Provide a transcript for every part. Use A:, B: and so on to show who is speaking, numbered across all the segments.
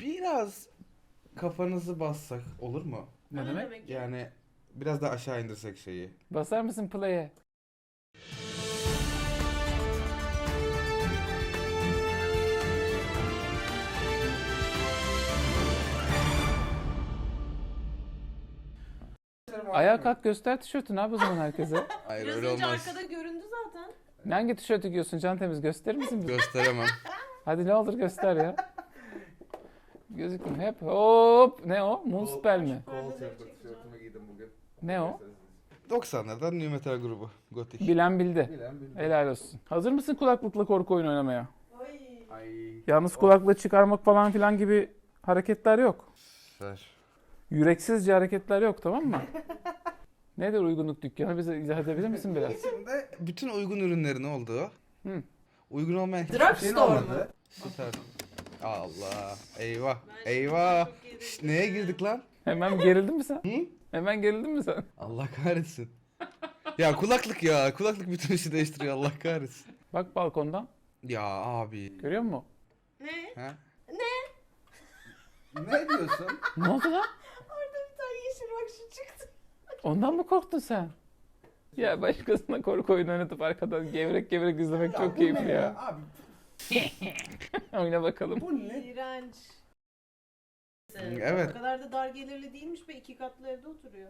A: Biraz kafanızı bassak olur mu?
B: Ne
C: O ne
B: demek?
C: demek ya?
A: Yani biraz da aşağı indirsek şeyi.
B: Basar mısın play'e? Ayağa kalk göster tişörtünü abi o zaman herkese.
A: Hayır
C: Biraz
A: öyle
C: önce
A: olmaz.
C: arkada göründü zaten.
B: Hangi tişörtü giyiyorsun Can Temiz gösterir misin bize?
A: Gösteremem.
B: Hadi ne olur göster ya. Gözükmüyor hep hop. Ne o? Moonspell mi?
A: Kol tişörtümü giydim bugün.
B: Ne o?
A: 90'lardan New Metal grubu. Gothic.
B: Bilen bildi.
A: Bilen bildi.
B: Helal olsun. Hazır mısın kulaklıkla korku oyunu oynamaya?
C: Ay.
A: Ay.
B: Yalnız kulaklığı çıkarmak falan filan gibi hareketler yok.
A: Ver.
B: Yüreksizce hareketler yok, tamam mı? Nedir uygunluk dükkanı? Bize izah edebilir misin biraz?
A: İçinde bütün uygun ürünlerin olduğu.
B: Hı.
A: Uygun olmayan hiçbir
C: Drugstore
A: şeyin
C: mu?
A: olmadığı. Süper. Allah. Eyvah.
C: Ben
A: Eyvah.
C: çok yedim.
A: Şşt, neye girdik lan?
B: Hemen gerildin mi sen?
A: Hı?
B: Hemen gerildin mi sen?
A: Allah kahretsin. Ya kulaklık ya. Kulaklık bütün işi değiştiriyor. Allah kahretsin.
B: Bak balkondan.
A: Ya abi.
B: Görüyor musun?
C: Ne?
A: Ha? Ne diyorsun?
B: Ne oldu lan?
C: Orada bir tane yeşil bak şu çıktı.
B: Ondan mı korktun sen? Ya başkasına korku oyunu oynatıp arkadan gevrek gevrek izlemek çok keyifli ya.
A: Abi
B: Oyna bakalım.
A: bu ne?
C: İğrenç.
A: Evet.
C: O kadar da dar gelirli değilmiş be, 2 katlı evde oturuyor.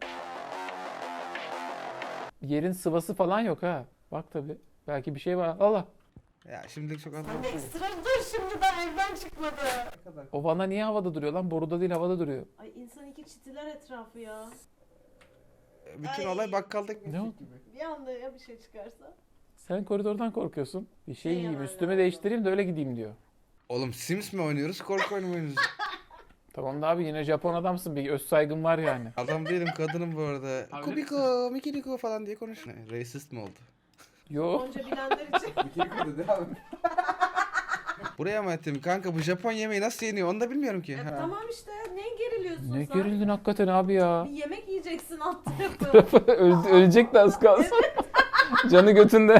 B: Yerin sıvası falan yok ha. Bak tabi. Belki bir şey var. Allah.
A: Ya şimdi çok az.
C: Ekstra dur, şimdi daha evden çıkmadı.
B: O vana niye havada duruyor lan? Boruda değil havada duruyor.
C: Ay insan iki çitiler etrafı ya.
A: Bütün
C: Ay.
A: olay bakkaldık.
B: Ne oldu?
C: Bir anda ya bir şey çıkarsa.
B: Sen koridordan korkuyorsun. Bir şey
C: Ne
B: yiyeyim,
C: yalan
B: üstümü
C: ya.
B: değiştireyim de öyle gideyim diyor.
A: Oğlum Sims mi oynuyoruz, korku oyunu mu oynuyoruz?
B: Tamam da abi yine Japon adamsın, bir öz saygın var yani.
A: Adam değilim, kadınım bu arada.
B: Abi-
A: Kubiko, Mikiriko falan diye konuş. Ne, racist mi oldu?
B: Yo.
C: Onca bilenler için.
A: Mikiriko dedi abi. Buraya mı ettim? Kanka bu Japon yemeği nasıl yeniyor onu da bilmiyorum ki. Ha.
C: Tamam işte, ne geriliyorsun
B: Ne
C: sen?
B: gerildin hakikaten abi ya.
C: Bir yemek yiyeceksin alt tarafı.
B: Ölecek de az kalsın. Canı götünde.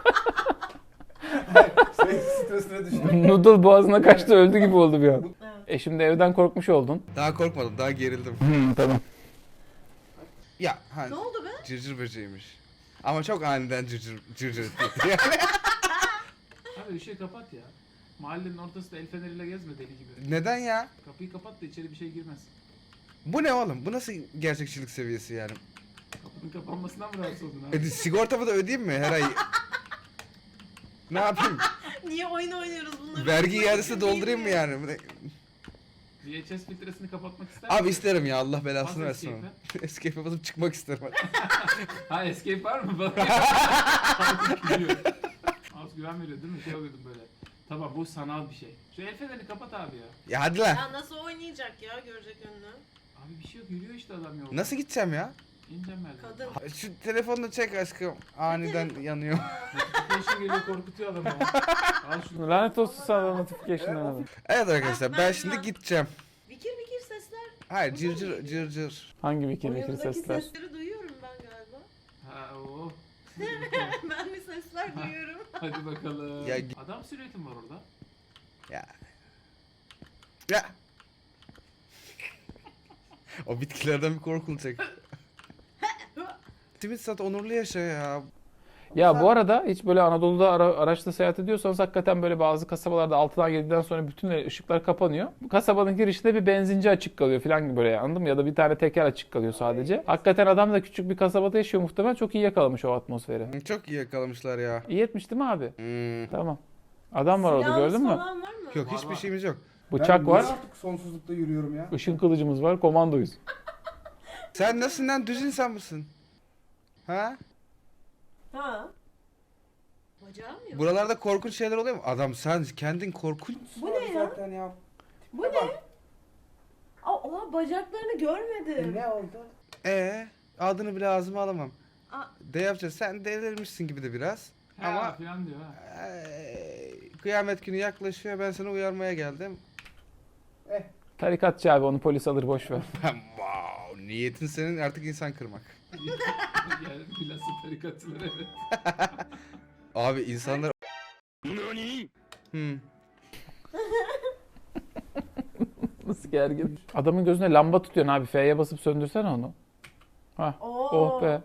A: Stresine düştüm.
B: Noodle boğazına kaçtı, öldü gibi oldu bir an.
C: Evet.
B: Şimdi evden korkmuş oldun.
A: Daha korkmadım, daha gerildim.
B: Tamam.
A: Ya hani
C: Ne oldu be?
A: cırcır böceğiymiş. Ama çok aniden cırcır etti. Yani.
D: Abi ışığı kapat ya. Mahallenin ortasında el feneriyle gezme deli gibi.
A: Neden ya?
D: Kapıyı kapat da içeri bir şey girmez.
A: Bu ne oğlum? Bu nasıl gerçekçilik seviyesi yani?
D: Kapının kapanmasından mı rahatsız oldun abi?
A: Sigortamı da ödeyeyim mi her ay? Ne yapayım?
C: Niye oyun oynuyoruz bunları?
A: Vergi iadesi doldurayım mı yani? Bu ne-
D: VHS filtresini kapatmak ister
A: Abi
D: misin?
A: isterim ya, Allah belasını
D: Bas
A: versin
D: escape'e.
A: onu. Escape'e basıp çıkmak isterim.
D: Ha escape var mı? Bana Artık gülüyor. Az güven veriyor değil mi? Şey oluyordum böyle. Tamam bu sanal bir şey. Şu el fenerini kapat abi ya.
A: Ya hadi lan.
C: Ya nasıl oynayacak ya, görecek önünü.
D: Abi bir şey yok, yürüyor işte adam yolda.
A: Nasıl gideceğim ya?
D: İneceğim merdiven.
C: Kadın.
A: Şu telefonunu çek aşkım. Aniden yanıyor.
D: Notification geliyor, korkutuyor adamı. Al şunu.
B: Lanet olsun sana notification'dan abi.
A: Evet arkadaşlar, ben
C: Ben
A: şimdi
C: ya.
A: gideceğim.
C: Vikir vikir sesler.
A: Hayır, cırcır cırcır.
B: Hangi vikir vikir
C: Oyundaki
B: sesler?
C: sesleri duyuyorum ben galiba.
D: Ha o.
C: Ben bir sesler duyuyorum.
D: Hadi bakalım.
A: Ya-
D: Adam silüetin var orada.
A: Ya. Ya. O bitkilerden bir korkulacak. Simit sat, onurlu yaşa ya.
B: Ya bu arada hiç böyle Anadolu'da araçla seyahat ediyorsanız hakikaten böyle bazı kasabalarda 6'dan 7'den sonra bütün ışıklar kapanıyor. Bu kasabanın girişinde bir benzinci açık kalıyor falan gibi böyle, anladın mı? Ya da bir tane teker açık kalıyor sadece. Hakikaten adam da küçük bir kasabada yaşıyor muhtemelen, çok iyi yakalamış o atmosferi.
A: Çok iyi yakalamışlar ya.
B: İyi etmiş değil mi abi?
A: Hmm.
B: Tamam. Adam var orada,
C: Silahınız
B: gördün mü?
C: falan var mı?
A: Yok,
D: Var,
A: hiçbir
D: var.
A: şeyimiz yok.
B: Bıçak var,
E: artık sonsuzlukta yürüyorum ya.
B: ışın kılıcımız var, komandoyuz.
A: Sen nasıl lan, düz insan mısın? Ha?
C: Ha. Bacağım yok.
A: Buralarda korkunç şeyler oluyor mu? Adam sen kendin korkunç.
C: Bu ne ya?
E: Zaten ya.
C: Bu ne? Oha, bacaklarını görmedim.
E: Ne oldu?
A: Adını bile ağzıma alamam.
C: Aa.
A: De yapacağız. Sen delirmişsin gibi de biraz.
D: Ha
A: Ama
D: falan diyor ha.
A: kıyamet günü yaklaşıyor. Ben seni uyarmaya geldim.
B: Tarikatçı abi, onu polis alır, boş ver.
A: Wow, niyetin senin artık insan kırmak.
D: Yani bilhassa tarikatçılar evet.
A: Abi insanlar...
B: Nasıl gergin. Adamın gözüne lamba tutuyorsun abi. F'ye basıp söndürsene onu. Hah.
C: Oo.
B: Oh be.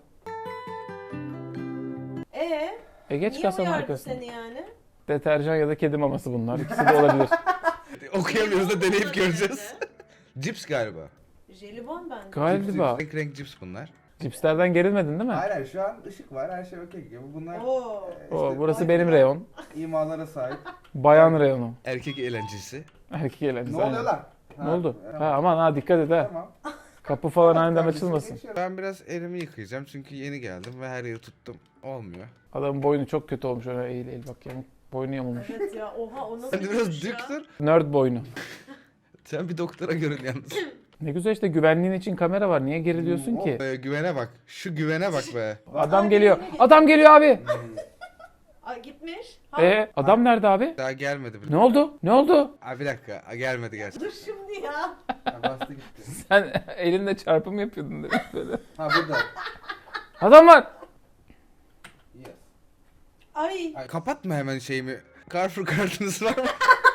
B: Geç
C: Niye
B: kasanın
C: uyardı
B: arkasına.
C: seni yani?
B: Deterjan ya da kedi maması bunlar. İkisi de olabilir.
A: Okuyamıyoruz da deneyip
C: Jelibon
A: göreceğiz. Cips galiba.
C: Jelibon bence.
B: Galiba.
A: Renk renk cips bunlar.
B: Cipslerden gerilmedin değil mi?
A: Hayır şu an ışık var her şey okey. Bunlar
C: Oo.
B: Oo, burası benim reyon.
A: imalara sahip.
B: Bayan reyonu.
A: Erkek eğlencesi.
B: Erkek eğlencesi.
A: Ne oluyor
B: aynen.
A: lan?
B: Ne oldu? Ha, aman ha dikkat et ha.
A: Tamam.
B: Kapı falan aniden açılmasın.
A: Ben biraz elimi yıkayacağım çünkü yeni geldim ve her yeri tuttum. Olmuyor.
B: Adamın boynu çok kötü olmuş. Öyle eğil eğil bak yamuk. Boynu yamulmuş.
C: Evet ya oha o nasıl
A: Sen de
C: bir
A: biraz
C: duruş ya?
A: dik dur.
B: Nerd boynu.
A: Sen bir doktora görün yalnız.
B: Ne güzel işte güvenliğin için kamera var. Niye geriliyorsun ki?
A: Güvene bak. Şu güvene bak be.
B: Adam geliyor. Adam geliyor abi.
C: Ay gitmiş. Ha,
B: Adam nerede abi?
A: Daha gelmedi bile.
B: Ne oldu? Ne oldu?
A: Aa, bir dakika. Gelmedi gerçekten.
C: dur şimdi ya.
A: Bastı gitti.
B: Sen elinde çarpım yapıyordun demek böyle.
A: Ha burada.
B: Adam var.
A: Yes.
C: Ay.
A: Ay, kapatma hemen şeyimi. Carrefour kartınız var mı?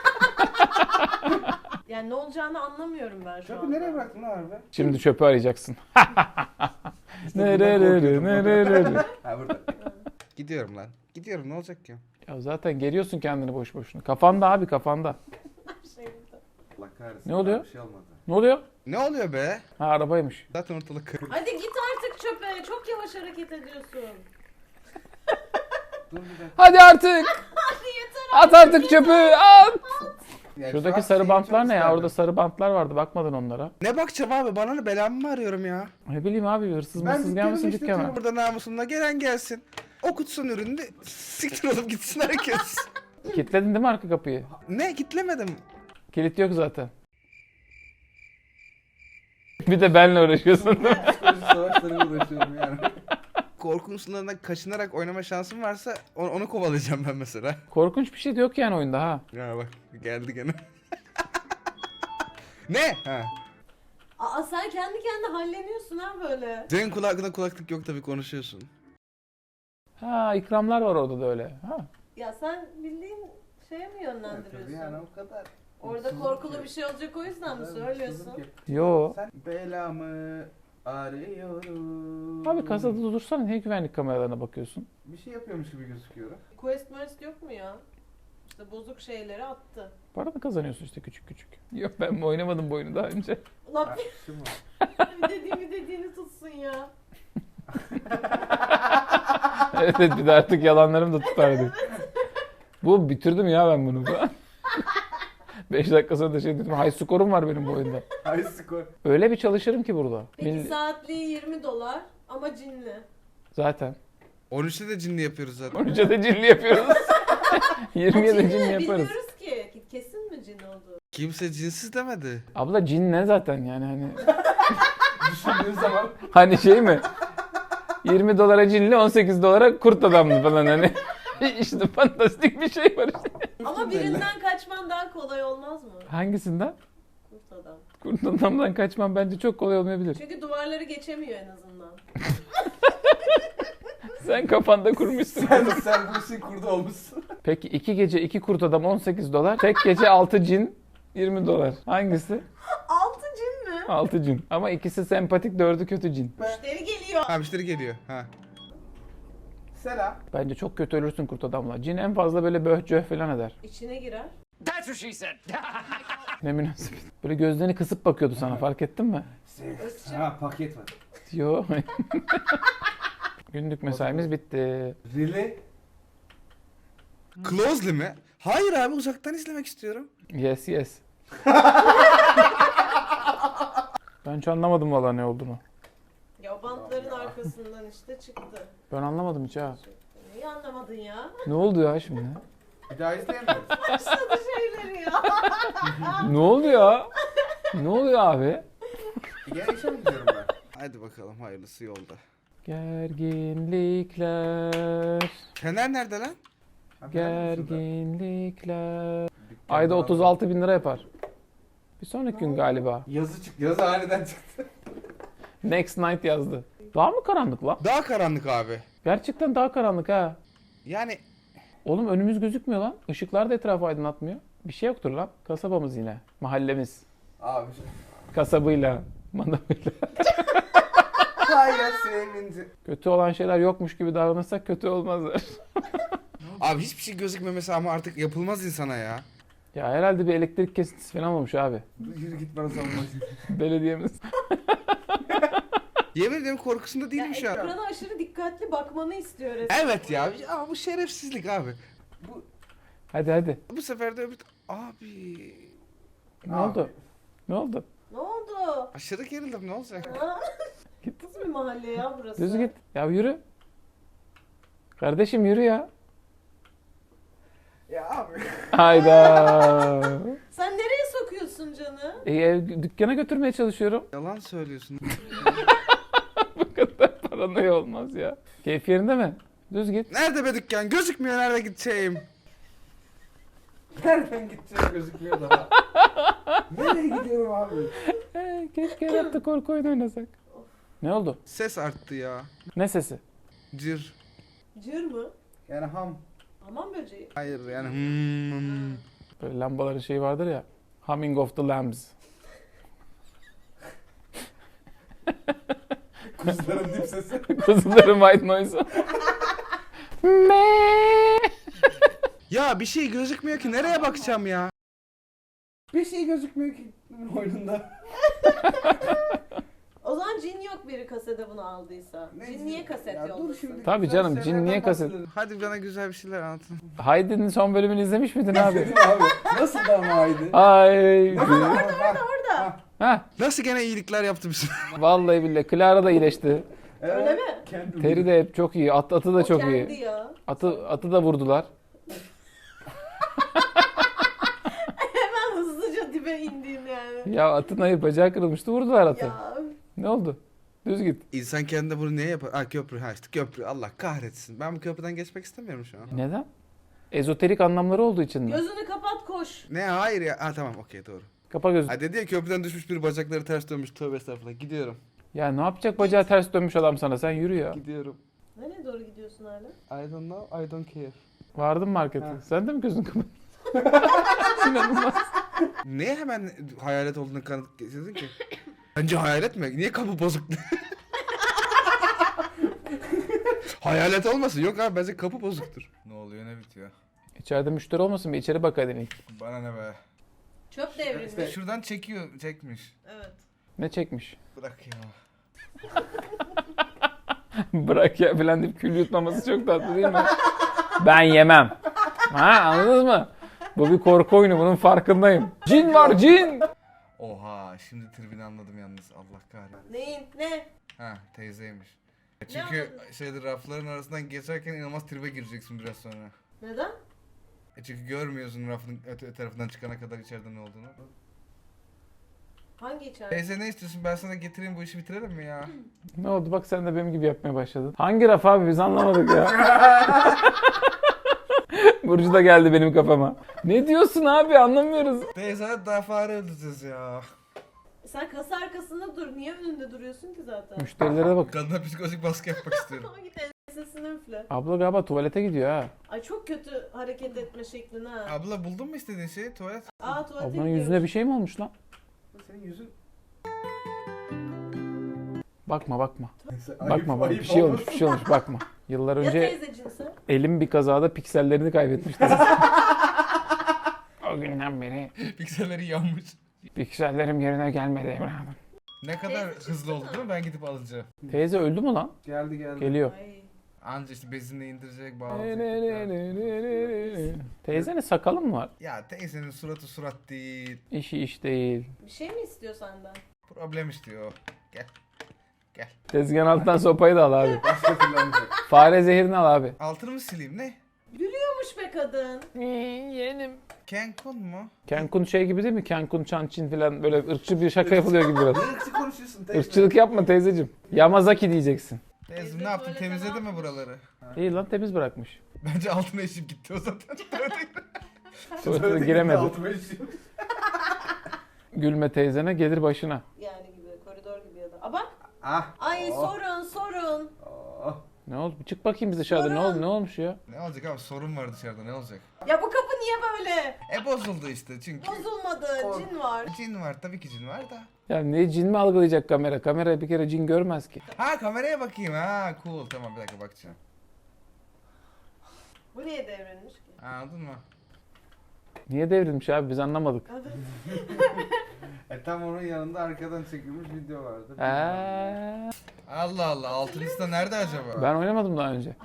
C: Yani ne olacağını anlamıyorum ben şu
A: Çöpü
C: an.
A: nereye bıraktın lan abi?
B: Şimdi çöpü arayacaksın.
A: bundan korkuyordum.
B: Nerelere.
A: Ha burada. Gidiyorum lan. Gidiyorum ne olacak ki?
B: Ya zaten geriyorsun kendini boş boşuna. Kafanda abi kafanda.
C: Şey burada.
A: Allah kahretsin.
B: Ne oluyor?
A: Bir şey olmadı.
B: Ne oluyor?
A: Ne oluyor be?
B: Ha arabaymış.
A: Zaten ortalık kırık.
C: Hadi git artık çöpe. Çok yavaş hareket ediyorsun.
A: Dur bir dakika.
B: Hadi artık.
C: Hadi yeter.
B: At artık çöpü. At.
A: Yani şu
B: Şuradaki
A: an
B: sarı
A: şeyi
B: bantlar
A: çok
B: ne ya?
A: isterdim.
B: Orada sarı bantlar vardı. Bakmadın onlara.
A: Ne bakacağım abi? Bana ne belamı mı arıyorum ya?
B: Ne bileyim abi hırsız
A: Ben
B: mırsız gelmesin
A: işletiyorum
B: dükkana.
A: burada namusumla. Gelen gelsin. Okutsun ürünü. Siktir olup gitsin herkes.
B: Kilitledin değil mi arka kapıyı?
A: Ne? Kitlemedim.
B: Kilit yok zaten. Bir de benle uğraşıyorsun.
A: Psikoloji savaşlarıyla uğraşıyorum yani. Korkunun sınırlarından kaçınarak oynama şansım varsa onu kovalayacağım ben mesela.
B: Korkunç bir şey de yok yani oyunda ha.
A: Ya bak geldi gene. Ne? Ha.
C: Aa sen kendi kendine halleniyorsun ha böyle.
A: Senin kulağında kulaklık yok tabii konuşuyorsun.
B: Ha ikramlar var orada da öyle. Ha.
C: Ya sen bildiğin şeye mi yönlendiriyorsun?
A: o kadar.
C: Orada korkulu bir şey olacak o yüzden mi söylüyorsun?
B: Yo.
A: Sen belamı arıyorum.
B: Abi kasada dursana niye güvenlik kameralarına bakıyorsun?
A: Bir şey yapıyormuş gibi gözüküyor.
C: Quest yok mu ya? İşte bozuk şeyleri attı.
B: Para mı kazanıyorsun işte küçük küçük? Yok ben mi oynamadım bu oyunu daha önce?
C: Ulan
A: Şu mu?
C: bir dediğini tutsun ya.
B: Evet evet, bir de artık yalanlarım da tutardı. Bu bitirdim ya ben bunu. 5 dakika sonra da şey dedim. High score'um var benim bu oyunda.
A: High score.
B: Öyle bir çalışırım ki burada.
C: Peki saatliği $20 ama cinli.
B: Zaten.
A: 13'te de cinli yapıyoruz zaten.
B: 13'e de cinli yapıyoruz. 20'ye de
C: Cinli
B: cinli yaparız.
C: bilmiyoruz ki. Kesin mi cin oldu?
A: Kimse cinsiz demedi.
B: Abla cin ne zaten yani hani.
A: Düşündüğün zaman.
B: Hani şey mi? 20 dolara cinli 18 dolara kurt adamlı falan hani. İşte fantastik bir şey var işte.
C: Ama birinden kaçman daha kolay olmaz mı?
B: Hangisinden?
C: Kurt adam.
B: Kurt adamdan kaçmam bence çok kolay olmayabilir.
C: Çünkü duvarları geçemiyor en azından.
B: Sen kafanda kurmuşsun.
A: sen bu işin kurdu olmuşsun.
B: Peki 2 gece 2 kurt adam 18 dolar. Tek gece 6 cin 20 dolar. Hangisi?
C: 6 cin mi?
B: 6 cin. Ama ikisi sempatik 4'ü kötü cin.
C: Müşteri geliyor.
A: Ha müşteri geliyor. Ha. Selam.
B: Bence çok kötü ölürsün kurt adamla. Cin en fazla böyle böh falan eder.
C: İçine girer.
B: Ne münasebet. Böyle gözlerini kısıp bakıyordu sana fark ettin mi?
A: Ha paket var.
B: Yo. Günlük mesaimiz bitti.
A: Really? Closely mi? Hayır abi uzaktan izlemek istiyorum.
B: Yes yes. Ben hiç anlamadım valla ne olduğunu.
C: Ya o bantların arkasından işte çıktı.
B: Ben anlamadım hiç ha.
C: Neyi anlamadın ya?
B: Ne oldu ya şimdi?
A: Bir daha izleyemeyiz.
C: Başladı şeyleri ya.
B: Ne oldu ya? Ne oluyor abi?
A: Gel işe mi gidiyorum ben? Hadi bakalım hayırlısı yolda.
B: Gerginlikler.
A: Fener nerede lan?
B: Gerginlikler. Ayda 36 bin lira yapar. Bir sonraki gün galiba.
A: Yazı çıktı. Yazı aniden çıktı.
B: Next night yazdı. Daha mı karanlık lan?
A: Daha karanlık abi.
B: Gerçekten daha karanlık ha.
A: Yani
B: Oğlum önümüz gözükmüyor lan. Işıklar da etrafı aydınlatmıyor. Bir şey yoktur lan. Kasabamız yine. Mahallemiz.
A: Abi.
B: Kasabıyla, manavıyla.
A: Hayır sevinci.
B: Kötü olan şeyler yokmuş gibi davranırsak kötü olmazlar.
A: Abi hiçbir şey gözükmemesi ama artık yapılmaz insana ya.
B: Ya herhalde bir elektrik kesintisi falan olmuş abi.
A: Yürü git bana savunmasın.
B: Belediyemiz.
A: Yemin ederim korkusunda
C: Ya
A: değilim şu an.
C: ekrana aşırı dikkatli bakmanı istiyor resmen.
A: Evet ya. Ama bu şerefsizlik abi.
B: Hadi.
A: Bu sefer de öbür... Abi...
B: Ne oldu? Ne oldu?
C: Ne oldu?
A: Aşırı gerildim ne olacak?
C: Ha? Nasıl bir mahalle ya burası?
B: Düz git. Ya yürü. Kardeşim yürü ya.
A: Ya abi.
B: Hayda.
C: Sen nereye sokuyorsun canı?
B: Dükkana götürmeye çalışıyorum.
A: Yalan söylüyorsun.
B: Bu kadar paranoya olmaz ya. Keyif yerinde mi? Düz git.
A: Nerede be dükkan? Gözükmüyor nerede gideceğim. Nereden gideceğim gözükmüyor daha. Nereye gidiyorum abi?
B: Keşke hayatta korku oyunu oynasak. Ne oldu?
A: Ses arttı ya.
B: Ne sesi?
A: Cır.
C: Cır mı?
A: Yani ham.
C: Aman böceği.
A: Hayır yani
B: Böyle lambaların şeyi vardır ya. Humming of the Lambs.
A: Kuzuların dip sesi.
B: Kuzuların white noise'u.
A: Ya bir şey gözükmüyor ki nereye bakacağım ya? Bir şey gözükmüyor ki oyununda.
C: O zaman cin yok biri kasede bunu aldıysa. Cin niye kaset
A: Ya dur
C: yollasın?
A: şimdi.
B: Tabii
A: güzel
B: canım, cin
A: şeylerden
B: niye kaset-
A: bahsedelim. Hadi bana güzel bir şeyler anlatın.
B: Haydi'nin son bölümünü izlemiş miydin abi?
A: abi nasıl da ama haydi?
B: Haydi.
C: Orada.
B: Ha,
A: Nasıl gene iyilikler yaptı bize?
B: vallahi billahi. Clara da iyileşti.
C: Öyle mi?
B: Teri de hep çok iyi. Atı da çok
C: o kendi
B: iyi.
C: ya.
B: Atı da vurdular.
C: Hemen hızlıca dibe indin yani.
B: Ya atın ayı bacağı kırılmıştı, vurdular atı.
C: Ya.
B: Ne oldu? Düz git.
A: İnsan kendine bunu niye yapar? Ha köprü, ha işte köprü. Allah kahretsin. Ben bu köprüden geçmek istemiyorum şu an.
B: Neden? Ezoterik anlamları olduğu için mi?
C: Gözünü kapat koş.
A: Ne hayır ya. Ha tamam okey doğru.
B: Kapa gözünü.
A: Ha dedi ya köprüden düşmüş bir bacakları ters dönmüş. Tövbe estağfurullah. Gidiyorum.
B: Ya ne yapacak bacağı ters dönmüş adam sana? Sen yürü ya.
A: Gidiyorum.
C: Nereye doğru gidiyorsun hala?
A: I don't know. I don't care.
B: Vardın markete.
A: Ha.
B: Sen de mi gözünü kapat? İnanılmaz.
A: Niye hemen hayalet olduğunu kanıt getirdin ki? Bence hayalet mi? Niye kapı bozuk? Hayalet olmasın. Yok abi bence kapı bozuktur. Ne oluyor ne bitiyor?
B: İçeride müşteri olmasın bir içeri bak hadi ilk.
A: Bana ne be?
C: Çöp devrilmiş.
A: Şuradan çekmiş.
C: Evet.
B: Ne çekmiş?
A: Bırak ya.
B: Bırak ya falan deyip kül yutmaması çok tatlı değil mi? Ben yemem. Ha anladınız mı? Bu bir korku oyunu, bunun farkındayım. Cin var cin.
A: Oha şimdi tribini anladım yalnız. Allah kahretsin.
C: Neyin? Ne?
A: Ha teyzeymiş. Çünkü şeyde rafların arasından geçerken inanılmaz tribe gireceksin biraz sonra.
C: Neden?
A: Çünkü görmüyorsun rafın öte tarafından çıkana kadar içeride ne olduğunu.
C: Hangi içeride?
A: Teyze ne istiyorsun? Ben sana getireyim bu işi bitirelim mi ya?
B: Ne oldu bak sen de benim gibi yapmaya başladın. Hangi raf abi biz anlamadık ya. Burcu da geldi benim kafama. Ne diyorsun abi anlamıyoruz.
A: Teyze daha fare öldüreceğiz ya.
C: Sen kasa arkasında dur. Niye önünde duruyorsun ki zaten?
B: Müşterilere bak.
A: Kadına psikolojik baskı yapmak istiyorum.
C: Ama git ensesini üfle.
B: Abla galiba tuvalete gidiyor ha.
C: Ay çok kötü hareket etme şeklin ha.
A: Abla buldun mu istediğin şeyi? Tuvalet.
C: Aa tuvalete
B: Ablanın yüzüne
C: gidiyormuş.
B: bir şey mi olmuş lan?
A: Senin yüzün...
B: Bakma. Bakma bak bir şey olmuş bakma. Yıllar
C: Ya
B: önce
C: teyzecinse?
B: elim bir kazada piksellerini kaybetmişti. O günden beri
A: Pikselleri yanmış.
B: piksellerim yerine gelmedi evladım.
A: Ne kadar
C: Teyze
A: hızlı oldu
C: çıksana.
A: değil mi? Ben gidip alacağım.
B: Teyze öldü mü lan?
A: Geldi.
B: Geliyor.
C: Ay.
A: Anca işte bezinle indirecek bağlayacak.
B: Teyzenin sakalı mı var?
A: Ya teyzenin suratı surat değil.
B: İşi iş değil.
C: Bir şey mi istiyor senden?
A: Problem istiyor. Gel.
B: Tezgahın altından sopayı da al abi.
A: Başka türlü olmayacak.
B: Fare zehirini al abi.
A: Altını mı sileyim ne?
C: Gülüyormuş be kadın.
B: Yeğenim.
A: Cancun mu?
B: Cancun şey gibi değil mi? Cancun, Çançin falan böyle ırkçı bir şaka yapılıyor gibi biraz.
A: Irkçı konuşuyorsun teyze.
B: Irkçılık yapma teyzeciğim. Yamazaki diyeceksin.
A: Teyzem ne yaptın? Temizledin mi buraları?
B: İyi lan temiz bırakmış.
A: Bence altına işim gitti o zaten.
B: Tuvalete giremedi. Gülme teyzene gelir başına.
C: Yani gibi koridor gibi ya da. Aa bak.
A: Ah.
C: Ay
A: Oh.
C: sorun.
B: Ne oldu? Bir çık bakayım biz dışarıda. Ne oldu? Ne olmuş ya?
A: Ne olacak abi? Sorun var dışarıda ne olacak?
C: Ya bu kapı niye böyle?
A: Bozuldu işte çünkü.
C: Bozulmadı. Cin var.
A: Cin var, tabii ki cin var da.
B: Ya ne cin mi algılayacak kamera? Kamera bir kere cin görmez ki.
A: Ha, kameraya bakayım, ha cool, tamam, bir dakika bakacağım.
C: Bu niye devrilmiş ki?
A: Anladın mı?
B: Niye devrilmiş abi biz anlamadık.
A: Tam onun yanında arkadan çekilmiş video vardı. Allah Allah, altınista nerede acaba?
B: Ben oynamadım daha önce.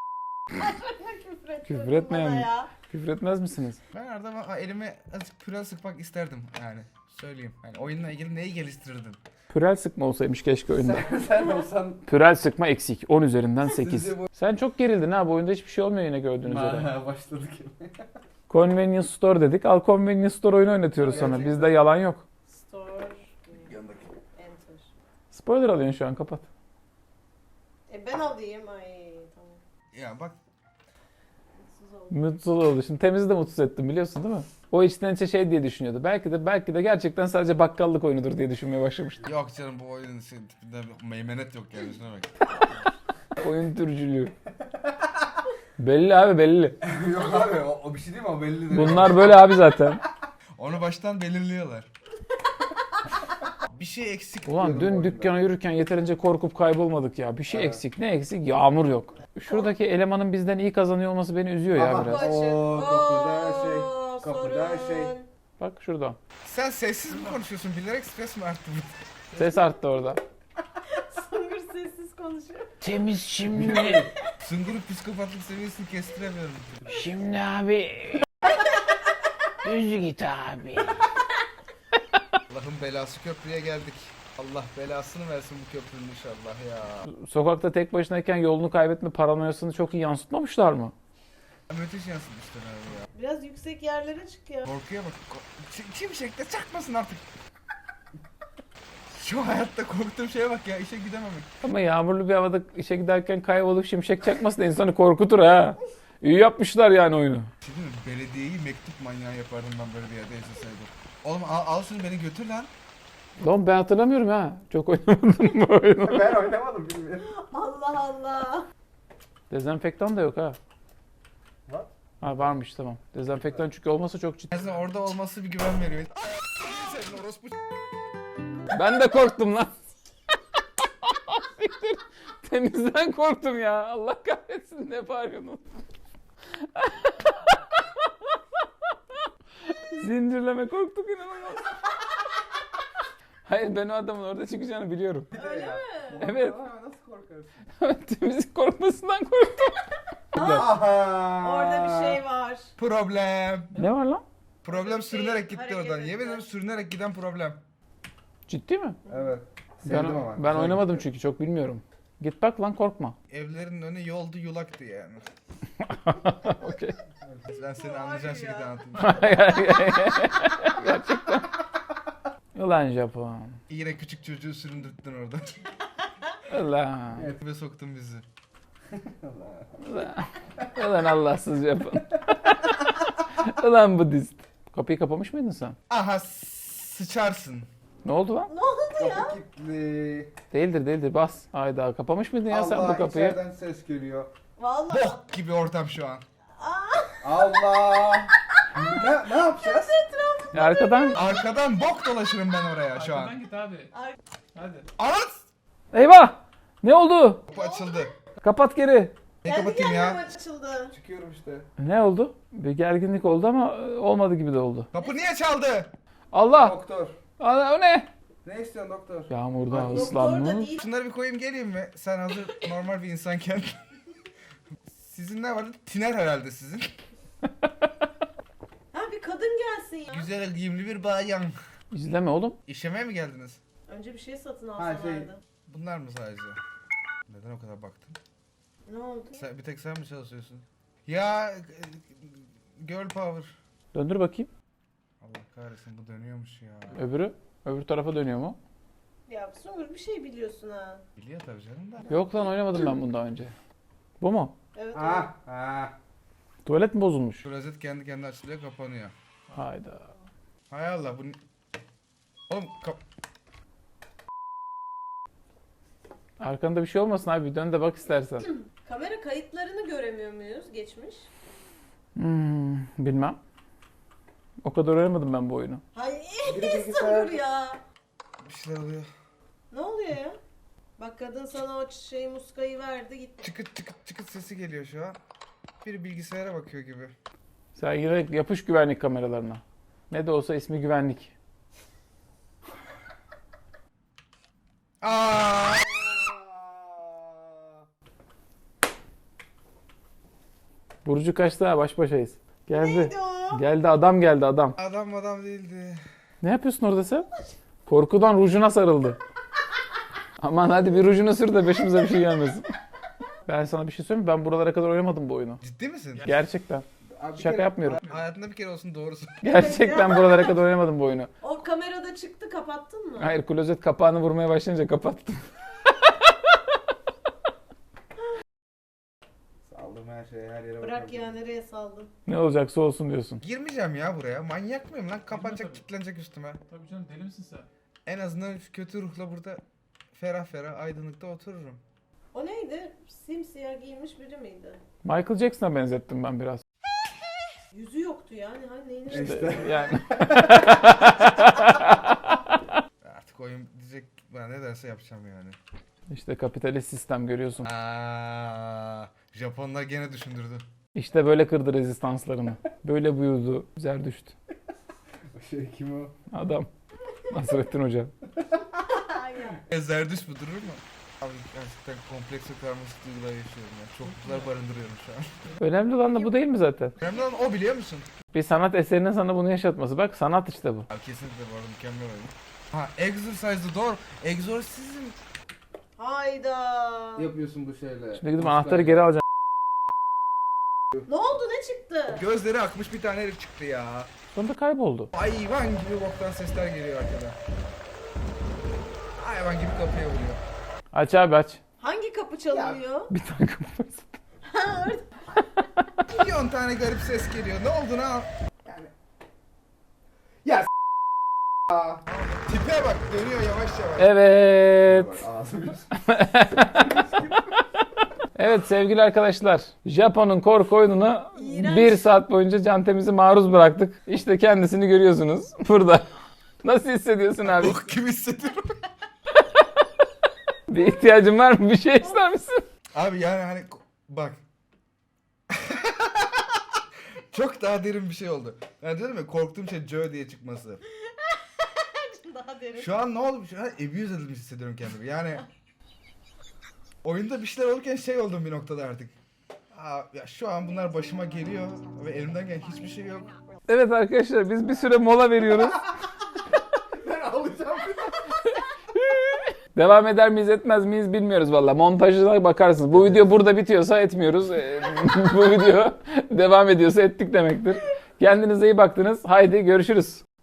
B: Küfür etmeyen
C: bana
B: mi?
C: ya.
B: Küfür etmez misiniz?
A: Ben arada elime azıcık pürel sıkmak isterdim yani. Söyleyeyim. Yani oyunla ilgili neyi geliştirirdin?
B: Pürel sıkma olsaymış keşke oyunda.
A: Sen olsan...
B: Pürel sıkma eksik. 10 üzerinden 8.
A: Sizce bu-
B: Sen çok gerildin ha. Bu oyunda hiçbir şey olmuyor yine gördüğünüz üzere.
A: Başladık.
B: Convenience Store dedik. Al Convenience Store oyunu oynatıyoruz sana.
A: Gerçekten.
B: Bizde yalan yok.
C: Store.
A: Yanındaki.
C: Enter.
B: Spoiler alıyorsun şu an kapat.
C: Ben alayım. Ay tamam.
A: Ya bak,
C: Mutsuz oldum.
B: Mutsuz oldu. Şimdi Temiz'i de mutsuz ettim biliyorsun değil mi? O içten içe şey diye düşünüyordu. Belki de gerçekten sadece bakkallık oyunudur diye düşünmeye başlamıştı.
A: yok canım, bu oyunun tipinde meymenet yok yani, şuna bak.
B: Oyun türcülüğü. Belli abi belli.
A: Yok abi, o bir şey değil mi, o belli değil.
B: Bunlar böyle abi zaten.
A: Onu baştan belirliyorlar. Bir şey eksik.
B: Ulan
A: diyordum bu
B: dün
A: oyunda.
B: dükkana yürürken yeterince korkup kaybolmadık ya. Bir şey eksik. Ne eksik? Yağmur yok. Şuradaki elemanın bizden iyi kazanıyor olması beni üzüyor ya
A: Aha.
B: biraz.
C: Açık.
A: Oo, kapıda şey,
C: Oo,
A: kapıda
C: sorun.
A: şey.
B: Bak şurada.
A: Sen sessiz mi konuşuyorsun? Bilerek stres mi arttı?
B: Ses arttı orada.
C: Sungur sessiz konuşuyor.
B: Temiz şimdi.
A: Sungur'un psikopatlık seviyesini kestiremiyorum.
B: Şimdi abi. Düz git abi.
A: Allah'ın belası, köprüye geldik. Allah belasını versin bu köprünün inşallah ya.
B: Sokakta tek başınayken yolunu kaybetme paranoyasını çok iyi yansıtmamışlar mı?
A: Müthiş yansıtmışlar abi ya.
C: Biraz yüksek yerlere çık ya.
A: Korkuya bak. Şimşekte çakmasın artık. Şu hayatta korktuğum şeye bak ya, işe gidememek.
B: Ama yağmurlu bir havada işe giderken kaybolup şimşek çakması da insanı korkutur ha. İyi yapmışlar yani oyunu.
A: Şey değil mi? Belediyeyi mektup manyağı yapardım ben böyle bir yerde yaşasaydım. Oğlum al şunu, beni götür lan.
B: Lan ben hatırlamıyorum ha. Çok oynamadım bu oyunu.
A: Ben oynamadım, bilmiyorum.
C: Allah Allah.
B: Dezenfektan da yok ha.
A: Var.
B: Ha varmış tamam. Dezenfektan çünkü olmasa çok ciddi.
A: En azından orada olması bir güven veriyor. Senin orospu.
B: Ben de korktum lan. Siktir. Temizden korktum ya. Allah kahretsin ne bağırıyorsun? Zincirleme korktuk inanılmaz. Hayır ben o adamın orada çıkacağını biliyorum.
C: Öyle mi?
B: Evet.
A: Nasıl korkarsın?
B: Temizlik korkmasından korktum.
A: Aha.
C: Orada bir şey var.
A: Problem.
B: Ne var lan?
A: Problem
C: Şey,
A: sürünerek gitti
C: hareket
A: oradan.
C: etti.
A: Yemin ederim sürünerek giden problem.
B: Ciddi mi?
A: Evet.
B: Ben oynamadım çünkü çok bilmiyorum. Git bak lan korkma.
A: Evlerin önü yoldu, yulaktı yani.
B: Okey.
A: Ben seni anlayacağın şekilde
C: ya.
A: anlatayım.
B: Gerçekten. Ulan Japon.
A: Yine küçük çocuğu süründürttün orada.
B: Ulan.
A: Evet. Ve soktun bizi.
B: Ulan Allahsız Japon. Ulan Budist. Kapıyı kapamış mıydın sen?
A: Aha, sıçarsın.
B: Ne oldu lan?
C: Ne oldu ya?
A: kilitli.
B: Değildir bas. Hayda kapamış mıydın ya sen bu kapıyı?
A: içeriden ses geliyor.
C: Vallahi.
A: Bok gibi ortam şu an.
E: Allah. ne yapacağız?
B: Ya arkadan.
A: Arkadan bok dolaşırım ben oraya şu
D: Arkadan
A: an.
D: git abi.
C: Ar-
D: Hadi.
A: Anat!
B: Eyvah! Ne oldu?
A: Kapı açıldı.
B: Kapat geri.
A: Ne
C: Kendi
A: kapatayım
C: kendine
A: ya?
C: açıldı.
E: Çıkıyorum işte.
B: Ne oldu? Bir gerginlik oldu ama olmadı gibi de oldu.
A: Kapı niye çaldı?
B: Allah!
E: Doktor.
B: O ne?
E: Ne istiyorsun doktor?
B: Yağmurda
C: Doktor da
B: ıslanmış.
C: değil.
A: Şunları bir koyayım geleyim mi? Sen hazır normal bir insanken. Sizin ne vardı? Tiner herhalde sizin.
C: Ha bir kadın gelsin ya.
A: Güzel giyimli bir bayan.
B: İzleme oğlum.
A: İşemeye mi geldiniz?
C: Önce bir şey satın
E: Ha,
C: alsalardı.
E: şey.
A: Bunlar mı sadece? Neden o kadar baktın?
C: Ne oldu?
A: Bir tek sen mi çalışıyorsun? Ya girl power.
B: Döndür bakayım.
A: Allah kahretsin, bu dönüyormuş ya.
B: Öbür tarafa dönüyor mu?
C: Ya Sungur bir şey biliyorsun ha.
A: Biliyor tabii canım da.
B: Yok lan oynamadım ben bunu daha önce. Bu mu?
C: Evet.
E: Ha.
B: Tuvalet mi bozulmuş?
A: Şu rozet kendi kendine açılıyor, kapanıyor.
B: Hayda.
A: Hay Allah, bu... Oğlum
B: Arkanda bir şey olmasın abi. Bir dön de bak istersen.
C: Kamera kayıtlarını göremiyor muyuz geçmiş?
B: Bilmem. O kadar oynamadım ben bu oyunu.
C: Hay
E: Biri
C: sabır
E: bilgisayar.
C: ya.
A: Bir şeyler oluyor.
C: Ne oluyor ya? Bak kadın sana o muskayı verdi gitti.
A: Çıkıt çıkıt çıkıt sesi geliyor şu an. Biri bilgisayara bakıyor gibi.
B: Sen yine yapış güvenlik kameralarına. Ne de olsa ismi güvenlik.
A: Aa!
B: Burcu kaçtı ha, baş başayız. Geldi.
C: Neydi o?
B: Geldi, adam geldi adam.
A: Adam değildi.
B: Ne yapıyorsun orada sen? Korkudan rujuna sarıldı. Aman hadi bir rujunu sür de başımıza bir şey gelmesin. Ben sana bir şey söyleyeyim mi? Ben buralara kadar oynamadım bu oyunu.
A: Ciddi misin?
B: Gerçekten.
E: Abi bir
B: Şaka
E: kere-
B: yapmıyorum.
A: Hayatında bir kere olsun doğrusu.
B: Gerçekten buralara kadar oynamadım bu oyunu.
C: O kamerada çıktı kapattın mı?
B: Hayır, klozet kapağını vurmaya başlayınca kapattım.
E: Saldım her şeye, her yere
C: Bırak
E: bakalım.
C: ya nereye saldın?
B: Ne olacaksa olsun diyorsun.
A: Girmeyeceğim ya buraya. Manyak mıyım lan? Kapanacak, kilitlenecek üstüme.
D: Tabii canım, deli misin sen?
A: En azından şu kötü ruhla burada ferah ferah aydınlıkta otururum.
C: O neydi? Simsiyah giymiş biri miydi?
B: Michael Jackson'a benzettim ben biraz.
C: Yüzü yoktu yani. Hani neyini
E: İşte.
B: Yani
A: Artık oyun diyecek, ben ne derse yapacağım yani.
B: işte kapitalist sistem görüyorsun.
A: Japonlar gene düşündürdü.
B: İşte böyle kırdı rezistanslarını. Böyle buyurdu Zerdüşt.
E: O şey kim o?
B: Adam. Nasrettin Hoca.
A: Zerdüş bu durur mu? Abi gerçekten kompleks ve karmaşık duygular yaşıyorum ya. Çokluklar barındırıyorum şu an.
B: Önemli olan da bu değil mi zaten?
A: Önemli olan o, biliyor musun?
B: Bir sanat eserinin sana bunu yaşatması. Bak sanat işte bu.
A: Abi kesinlikle bu arada mükemmel oyun. Ha, Exorcise the Door. Exorcism.
C: Hayda.
E: Yapıyorsun bu şeyle.
B: Şimdi gidip anahtarı geri alacağım.
C: Ne oldu ne çıktı?
A: Gözleri akmış bir tane herif çıktı ya.
B: Sonra kayboldu.
A: Hayvan gibi boktan sesler geliyor arkadan. Hayvan gibi kapıya vuruyor.
B: Aç abi aç.
C: Hangi kapı çalınıyor?
B: Bir tane kapı var.
C: Ha, orada.
A: Milyon tane garip ses geliyor. Ne oldu ne?
E: Yani. Ya Aa.
A: Tipe bak, dönüyor yavaş yavaş.
B: Evet.
E: Bak, ağzım yüz.
B: Evet sevgili arkadaşlar. Japon'un korku oyununa
C: İğrenç.
B: 1 saat boyunca Cantemiz'i maruz bıraktık. İşte kendisini görüyorsunuz burada. Nasıl hissediyorsun abi?
A: Bok gibi hissediyorum.
B: Bir ihtiyacın var mı? Bir şey ister misin?
A: Abi yani hani bak. Çok daha derin bir şey oldu. Yani dedim ya, korktuğum şey Joe diye çıkması.
C: Daha derin.
A: Şu an ne oldu? Şu an abuse edilmiş hissediyorum kendimi. Yani oyunda bir şeyler olurken şey oldum bir noktada artık. Aa, ya şu an bunlar başıma geliyor ve elimden gelen hiçbir şey yok.
B: Evet arkadaşlar biz bir süre mola veriyoruz.
E: Ben alacağım.
B: Devam eder miyiz etmez miyiz bilmiyoruz valla. Montajına bakarsınız. Bu video burada bitiyorsa etmiyoruz. Bu video devam ediyorsa ettik demektir. Kendinize iyi baktınız. Haydi görüşürüz.